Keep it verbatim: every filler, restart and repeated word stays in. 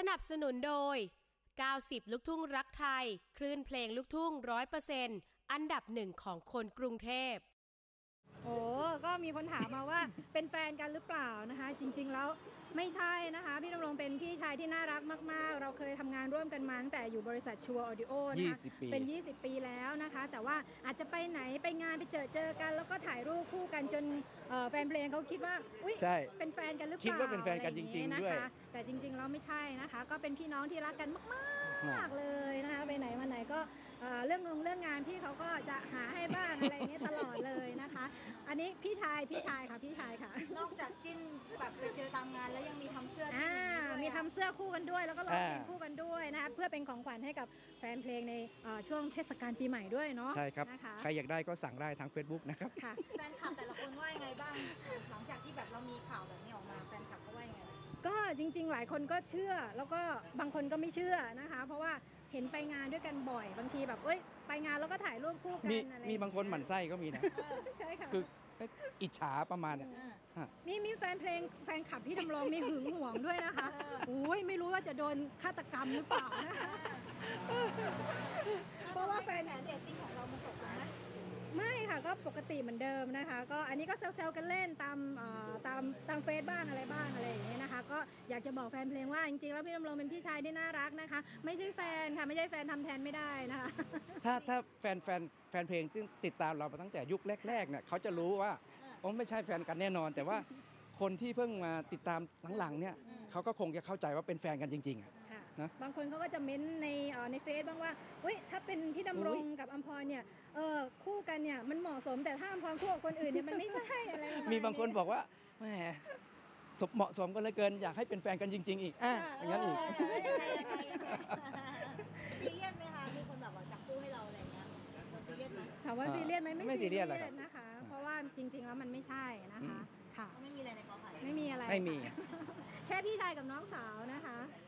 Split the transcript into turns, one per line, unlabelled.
นับสนุนโดยเก้าสิบลูกทุ่งรักไทยคลื่นเพลงลูกทุ่ง ร้อยเปอร์เซ็นต์ อันดับหนึ่งของคนกรุงเทพ
โอ้ก็มีคนถามมาว่า เป็นแฟนกันหรือเปล่านะคะจริงๆแล้วไม่ใช่นะคะพี่ดำรงเป็นพี่ชายที่น่ารักมากๆเราเคยทำงานร่วมกันมาตั้งแต่อยู่บริษัทชัวร์ออดิโอนะคะเป็นยี่สิบปีแล้วนะคะแต่ว่าอาจจะไปไหนไปงานไปเจอเจอกันแล้วก็ถ่ายรูปคู่กันจนแฟนเพลงเขาคิดว่าอุ๊ยเป็นแฟนกันหรือเปล่า
คิดว่าเป็นแฟนกันจริงๆด้วย
แต่จริงๆแล้วไม่ใช่นะคะก็เป็นพี่น้องที่รักกันมากๆเลยนะคะไปไหนมาไหนก็เรื่องงงเรื่องงานพี่เขาก็จะหาให้บ้างอะไรอย่างเงี้ยตลอดเลยนะคะอันนี้พี่ชายพี่ชายค่ะพี่ชายค่ะ
นอกจากจิ้นแบบไปเจอตามงานแล้วยังมีทำเสื้อจิ้นด้วย
มีทำเสื้อคู่กันด้วยแล้วก็ร้องเพลงคู่กันด้วยนะคะเพื่อเป็นของขวัญให้กับแฟนเพลงในช่วงเทศกาลปีใหม่ด้วยเนาะ
ใช่ครับใครอยากได้ก็สั่งได้ทาง Facebook นะครับ
แฟนคลับแต่ละคนว่ายังไงบ้างหลังจากที่แบบเรามีข่าวแบบนี้ออกมาแฟนคลับเขาว่ายังไง
ก็จริงๆหลายคนก็เชื่อแล้วก็บางคนก็ไม่เชื่อนะคะเพราะว่าเห็นไปงานด้วยกันบ่อยบางทีแบบเอ้ยไปงานแล้วก็ถ่ายรูปคู่กันอะไร
มีบางคนหมั่นไส้ก็มีนะ
ใช่ค่ะ
คืออิจฉาประมาณเนี่ย
มีมีแฟนเพลงแฟนคลับที่ดำรงมีหึงหวงด้วยนะคะโอ้ยไม่รู้ว่าจะโดนฆาตกรรมหรือเปล่านะคะ
เพราะว่าแฟนเรตติ้งของเรามันตกลงไหม
ไม่ค่ะก็ปกติเหมือนเดิมนะคะก็อันนี้ก็แซวๆกันเล่นตามตามตามเฟซบ้างอะไรบ้างอะไรอย่างเงี้ยนะคะก็อยากจะบอกแฟนเพลงว่าจริงๆแล้วพี่ดำรงเป็นพี่ชายที่น่ารักนะคะไม่ใช่แฟนค่ะไม่ใช่แฟนทำแทนไม่ได้นะคะ
ถ้าถ้าแฟนแฟนแฟนเพลงที่ติดตามเรามาตั้งแต่ยุคแรกๆเนี่ยเขาจะรู้ว่าอ๋อไม่ใช่แฟนกันแน่นอนแต่ว่าคนที่เพิ่งมาติดตามหลังๆเนี่ยเขาก็คงจะเข้าใจว่าเป็นแฟนกันจริงๆอ่ะ
นะบางคนเขาก็จะเม้นในในเฟซบ้างว่าเฮ้ยถ้าเป็นพี่ดำรงกับอัมพรเนี่ยเออคู่กันเนี่ยมันเหมาะสมแต่ถ้าอัมพรคู่กับคนอื่นเนี่ยมันไม่ใช่อะไรประมาณนี้
มีบางคนบอกว่าแหมเหมาะสมกันเหลือเกินอยากให้เป็นแฟนกันจริงๆอีกอ่ะอย่างนั้นอีก
ซีเรียสไหมคะมีคนแบบว่าจับคู่ให้เราอะไรเงี้ยซีเรียสไหม
ถามว่าซีเรียสไหมไม่ซีเรียสนะคะเพราะว่าจริงๆแล้วมันไม่ใช่นะคะค่ะ
ไม่มีอะไรในกอไผ่
ไม่มีอะไร
ไม่มี
แค่พี่ชายกับน้องสาวนะคะ